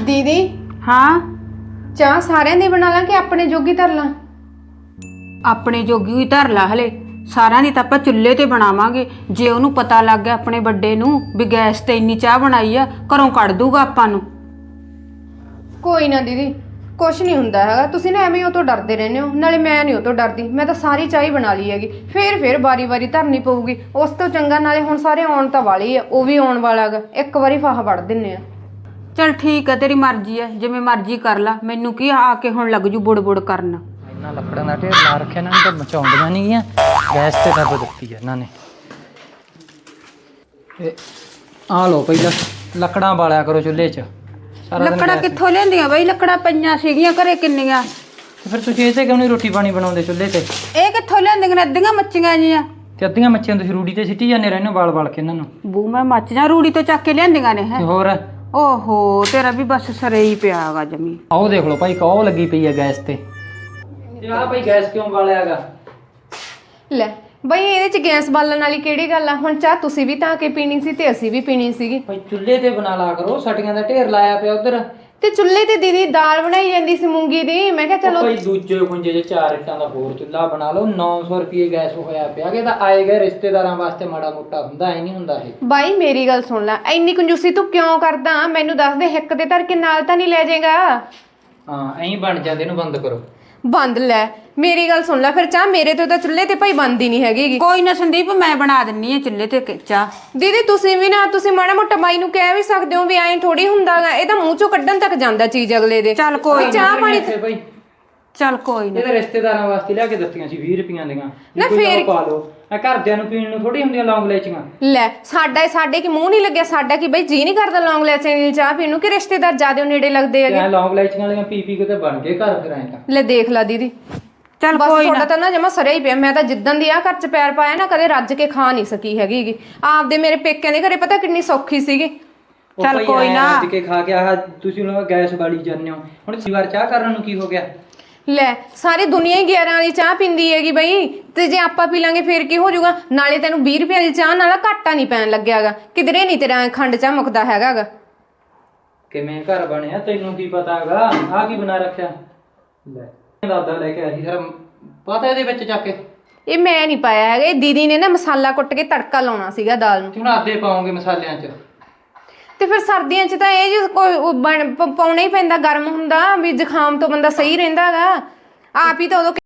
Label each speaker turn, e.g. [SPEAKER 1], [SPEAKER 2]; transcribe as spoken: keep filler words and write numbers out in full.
[SPEAKER 1] दीदी
[SPEAKER 2] हाँ
[SPEAKER 1] चाह सारिਆਂ ਦੀ ਬਣਾ ਲਾਂ ਕਿ ਆਪਣੇ ਜੋਗੀ ਧਰ ਲਾਂ?
[SPEAKER 2] ਆਪਣੇ ਜੋਗੀ ਹੀ ਧਰ ਲਾ ਹਲੇ ਸਾਰਿਆਂ ਦੀ ਤਾਂ ਆਪਾਂ ਚੁੱਲ੍ਹੇ ਤੇ ਬਣਾਵਾਂਗੇ। ਜੇ ਉਹਨੂੰ ਪਤਾ ਲੱਗ ਗਿਆ ਆਪਣੇ ਵੱਡੇ ਨੂੰ ਵੀ ਗੈਸ ਤੇ ਇੰਨੀ ਚਾਹ ਬਣਾਈ ਆ ਘਰੋਂ ਕੱਢ ਦੂਗਾ ਆਪਾਂ ਨੂੰ।
[SPEAKER 1] ਕੋਈ ਨਾ ਦੀਦੀ ਕੁਛ ਨਹੀਂ ਹੁੰਦਾ ਹੈਗਾ, ਤੁਸੀਂ ਨਾ ਐਵੇਂ ਉਹ ਤੋਂ ਡਰਦੇ ਰਹਿੰਦੇ ਹੋ। ਨਾਲੇ ਮੈਂ ਨਹੀਂ ਉਹ ਤੋਂ ਡਰਦੀ, ਮੈਂ ਤਾਂ ਸਾਰੀ ਚਾਹ ਹੀ ਬਣਾ ਲਈ ਹੈਗੀ। ਫੇਰ ਫੇਰ ਵਾਰੀ ਵਾਰੀ ਧਰਨੀ ਪਊਗੀ, ਉਸ ਤੋਂ ਚੰਗਾ ਨਾਲੇ ਹੁਣ ਸਾਰੇ ਆਉਣ ਤਾਂ ਵਾਲੀ ਆ, ਉਹ ਵੀ ਆਉਣ ਵਾਲਾ ਹੈਗਾ, ਇੱਕ ਵਾਰੀ ਫਾਹਾ ਵੜ ਦਿੰਨੇ ਆ।
[SPEAKER 2] चल ठीक है तेरी मर्जी है जिवें मर्जी कर ला, मैनू की आके हुण लग जू बुड़ बुड़ करन।
[SPEAKER 3] इन्ना लकड़ां दा ढेर ला रखिया इन्हां ने, तां मचाउंदियां नहीं गीआं, गैस ते दब दित्ती है इन्हां ने। ते आ लो पहिला लकड़ां बालिया करो चुੱਲ੍ਹੇ 'ਚ।
[SPEAKER 2] ਲੱਕੜਾਂ ਕਿੱਥੋਂ ਲਿਆਂਦੀਆਂ ਬਈ? ਲੱਕੜਾਂ ਪਈਆਂ ਸੀਗੀਆਂ ਘਰੇ ਕਿੰਨੀਆਂ।
[SPEAKER 3] ਫਿਰ ਤੁਸੀਂ ਇਹ ਤੇ ਕਿਉਂ ਨਹੀਂ ਰੋਟੀ ਪਾਣੀ ਬਣਾਉਂਦੇ ਚੁੱਲ੍ਹੇ ਤੇ?
[SPEAKER 2] ਇਹ ਕਿੱਥੋਂ ਲਿਆਂਦੀਆਂ ਨੇ? ਅੱਧੀਆਂ ਮੱਚੀਆਂ ਜੀਆਂ
[SPEAKER 3] ਤੇ ਅੱਧੀਆਂ ਮੱਛੀਆਂ ਤੁਸੀਂ ਰੂੜੀ ਤੇ ਸਿੱਟੀ ਜਾਂਦੇ ਰਹਿੰਦੇ ਵਾਲ ਵਾਲ ਕੇ ਇਹਨਾਂ ਨੂੰ।
[SPEAKER 2] ਬੂ ਮੈਂ ਮੱਚ ਜਾ ਰੂੜੀ ਤੋਂ ਚੱਕ ਕੇ ਲਿਆਂਦੀਆਂ ਨੇ ਹੈ।
[SPEAKER 3] ਤੇ ਹੋਰ
[SPEAKER 2] ਓਹੋ ਤੇਰਾ ਵੀ ਬਸ ਸਰੇ ਹੀ ਪਿਆਗਾ ਜਮੀ।
[SPEAKER 3] ਆਓ ਦੇਖ ਲਓ ਭਾਈ ਕੌ ਲੱਗੀ ਪਈ ਹੈ ਗੈਸ ਤੇ। ਤੇ ਆਹ ਭਾਈ ਗੈਸ ਕਿਉਂ ਬਾਲਿਆਗਾ?
[SPEAKER 1] ਲੈ ਬਈ ਇਹਦੇ ਚ ਗੈਸ ਬਾਲਣ ਵਾਲੀ ਕਿਹੜੀ ਗੱਲ ਆ? ਹੁਣ ਚਾਹ ਤੁਸੀਂ ਵੀ ਤਾਂ ਕੇ ਪੀਣੀ ਸੀ ਤੇ ਅਸੀਂ ਵੀ ਪੀਣੀ ਸੀਗੀ।
[SPEAKER 3] ਭਾਈ ਚੁੱਲ੍ਹੇ ਤੇ ਬਣਾ ਲਾ ਕਰੋ, ਸਟੀਆਂ ਦਾ ਢੇਰ ਲਾਇਆ ਪਿਆ ਉਧਰ।
[SPEAKER 1] ਤੇ ਚੁੱਲ੍ਹੇ ਤੇ ਦੀਦੀ ਦਾਲ ਬਣਾਈ ਜਾਂਦੀ ਸੀ ਮੂੰਗੀ ਦੀ, ਮੈਂ ਕਿਹਾ ਚਲੋ
[SPEAKER 3] ਭਾਈ ਦੂਜੇ ਖੁੰਝੇ 'ਚ ਚਾਰ ਇੱਟਾਂ ਦਾ ਹੋਰ ਚੁੱਲ੍ਹਾ ਬਣਾ ਲਓ। ਨੌ ਸੌ ਰੁਪਏ ਗੈਸ ਹੋਇਆ ਪਿਆ ਕਿ ਤਾਂ ਆਏ ਗਏ ਰਿਸ਼ਤੇਦਾਰਾਂ ਵਾਸਤੇ ਮਾੜਾ ਮੋਟਾ ਹੁੰਦਾ, ਐ ਨਹੀਂ ਹੁੰਦਾ ਇਹ।
[SPEAKER 1] ਬਾਈ ਮੇਰੀ ਗੱਲ ਸੁਣ ਲੈ, ਇੰਨੀ ਕੰਜੂਸੀ ਤੂੰ ਕਿਉਂ ਕਰਦਾ? ਮੈਨੂੰ ਦੱਸ ਦੇ, ਹਿੱਕ ਦੇ ਧਰ ਕੇ ਨਾਲ ਤਾਂ ਨਹੀਂ ਲੈ ਜਾਏਗਾ?
[SPEAKER 3] ਹਾਂ ਐਂ ਬਣ ਜਾਂਦੇ, ਇਹਨੂੰ ਬੰਦ ਕਰੋ।
[SPEAKER 1] ਬੰਦ ਲੈ, ਮੇਰੀ ਗੱਲ ਸੁਣ ਲੈ ਫਿਰ, ਚਾਹ ਮੇਰੇ ਤੋਂ ਤਾਂ ਚੁੱਲ੍ਹੇ ਤੇ ਭਾਈ ਬੰਦ ਹੀ ਨਹੀਂ ਹੈਗੀ।
[SPEAKER 2] ਕੋਈ ਨਾ ਸੰਦੀਪ ਮੈਂ ਬਣਾ ਦਿੰਨੀ ਆ ਚੁੱਲ੍ਹੇ ਤੇ ਚਾਹ।
[SPEAKER 1] ਦੀਦੀ ਤੁਸੀਂ ਵੀ ਨਾ, ਤੁਸੀਂ ਮਾੜਾ ਮੋਟਾ ਬਾਈ ਨੂੰ ਕਹਿ ਵੀ ਸਕਦੇ ਹੋ ਵੀ ਐਂ ਥੋੜੀ ਹੁੰਦਾਗਾ, ਇਹ ਤਾਂ ਮੂੰਹ ਚੋਂ ਕੱਢਣ ਤੱਕ ਜਾਂਦਾ ਚੀਜ਼ ਅਗਲੇ ਦੇ।
[SPEAKER 2] ਚੱਲ ਕੋਈ
[SPEAKER 1] ਚਾਹ ਪਾਣੀ
[SPEAKER 3] ਭਾਈ
[SPEAKER 2] ਚੱਲ ਕੋਈ ਨਾ।
[SPEAKER 3] ਇਹ ਤਾਂ ਰਿਸ਼ਤੇਦਾਰਾਂ ਵਾਸਤੇ ਲਿਆ ਕੇ ਦਿੱਤੀਆਂ ਸੀ ਵੀਹ ਰੁਪਈਆਂ ਦੀਆਂ।
[SPEAKER 1] ਨਾ ਫੇਰ
[SPEAKER 3] ਪਾ ਲਓ, ਆ ਘਰਦਿਆਂ ਨੂੰ ਪੀਣ ਨੂੰ ਥੋੜੀ ਹੁੰਦੀਆਂ ਲੌਂਗ ਲੈਚੀਆਂ।
[SPEAKER 1] ਲੈ ਸਾਡਾ ਸਾਡੇ ਕੀ ਮੂੰਹ ਨਹੀਂ ਲੱਗਿਆ? ਸਾਡਾ ਕੀ ਬਈ ਜੀ ਨਹੀਂ ਕਰਦਾ ਲੌਂਗ ਲੈਚੀਆਂ ਦੀ ਚਾਹ ਪੀਣ ਨੂੰ? ਕਿ ਰਿਸ਼ਤੇਦਾਰ ਜ਼ਿਆਦਾ ਨੇੜੇ ਲੱਗਦੇ ਹੈਗੇ?
[SPEAKER 3] ਐ ਲੌਂਗ ਲੈਚੀਆਂ ਵਾਲੀਆਂ ਪੀ ਪੀ ਕੇ ਤੇ ਬਣ ਗਏ ਘਰ ਫਿਰ ਐਂ ਤਾਂ।
[SPEAKER 1] ਲੈ ਦੇਖ ਲੈ ਦੀਦੀ,
[SPEAKER 2] ਚੱਲ
[SPEAKER 1] ਬਸ
[SPEAKER 2] ਕੋਈ
[SPEAKER 1] ਤੁਹਾਡਾ
[SPEAKER 2] ਨਾ।
[SPEAKER 1] ਤਾਂ ਨਾ ਜਮਾ ਸਰਿਆ ਹੀ ਪਿਆ। ਮੈਂ ਤਾਂ ਜਿੱਦਣ ਦੀ ਆ ਘਰ ਚ ਪੈਰ ਪਾਇਆ ਨਾ, ਕਦੇ ਰੱਜ ਕੇ ਖਾ ਨਹੀਂ ਸਕੀ ਹੈਗੀ। ਆਪਦੇ ਮੇਰੇ ਪੇਕਿਆਂ ਦੇ ਘਰੇ ਪਤਾ ਕਿੰਨੀ ਸੌਖੀ ਸੀਗੀ।
[SPEAKER 2] ਚੱਲ ਕੋਈ ਨਾ।
[SPEAKER 3] ਰੱਜ ਕੇ ਖਾ ਕੇ ਆਹ ਤੁਸੀਂ ਉਹਨਾਂ ਗੈਸ ਬਾਲੀ ਜਾਂਦੇ ਹੋ। ਹੁਣ ਸੀ ਵਾਰ ਚਾਹ ਕਰਨ ਨੂੰ ਕੀ ਹੋ ਗਿਆ?
[SPEAKER 1] ਲੈ ਸਾਰੀ ਦੁਨੀਆ ਹੀ ਗਿਆਰਾਂ ਵਾਲੀ ਚਾਹ ਪੀਂਦੀ ਹੈਗੀ ਬਈ, ਤੇ ਜੇ ਆਪਾਂ ਪੀ ਲਾਂਗੇ ਫੇਰ ਕੀ ਹੋ ਜਾਊਗਾ? ਨਾਲੇ ਤੈਨੂੰ ਵੀਹ ਰੁਪਏ ਦੀ ਚਾਹ ਨਾਲ ਘਾਟਾ ਨਹੀਂ ਪੈਣ ਲੱਗਿਆਗਾ, ਕਿਧਰੇ ਨਹੀਂ ਤੇਰਾ ਖੰਡ ਚਾਹ ਮੁੱਕਦਾ ਹੈਗਾਗਾ।
[SPEAKER 3] ਕਿਵੇਂ ਘਰ ਬਣਿਆ ਤੈਨੂੰ ਕੀ ਪਤਾ ਹੈਗਾ? ਆਹ ਕੀ ਬਣਾ ਰੱਖਿਆ? ਲੈ ਦਾਦਾ ਲੈ ਕੇ ਆਇਆ ਸੀ, ਸਾਰਾ ਪਤਾ ਇਹਦੇ ਵਿੱਚ ਜਾ ਕੇ।
[SPEAKER 1] ਇਹ ਮੈਂ ਨਹੀਂ ਪਾਇਆ ਹੈਗਾ, ਇਹ ਦੀਦੀ ਨੇ ਨਾ ਮਸਾਲਾ ਕੁੱਟ ਕੇ ਤੜਕਾ ਲਾਉਣਾ ਸੀਗਾ ਦਾਲ ਨੂੰ।
[SPEAKER 3] ਹੁਣ ਆਦੇ ਪਾਉਂਗੇ ਮਸਾਲਿਆਂ 'ਚ।
[SPEAKER 1] ਤੇ ਫਿਰ ਸਰਦੀਆਂ 'ਚ ਤਾਂ ਇਹ ਜੋ ਕੋਈ ਪਾਉਣਾ ਹੀ ਪੈਂਦਾ, ਗਰਮ ਹੁੰਦਾ ਵੀ ਜ਼ੁਕਾਮ ਤੋਂ ਬੰਦਾ ਸਹੀ ਰਹਿੰਦਾ ਹੈਗਾ। ਆਪ ਹੀ ਤਾਂ ਉਦੋਂ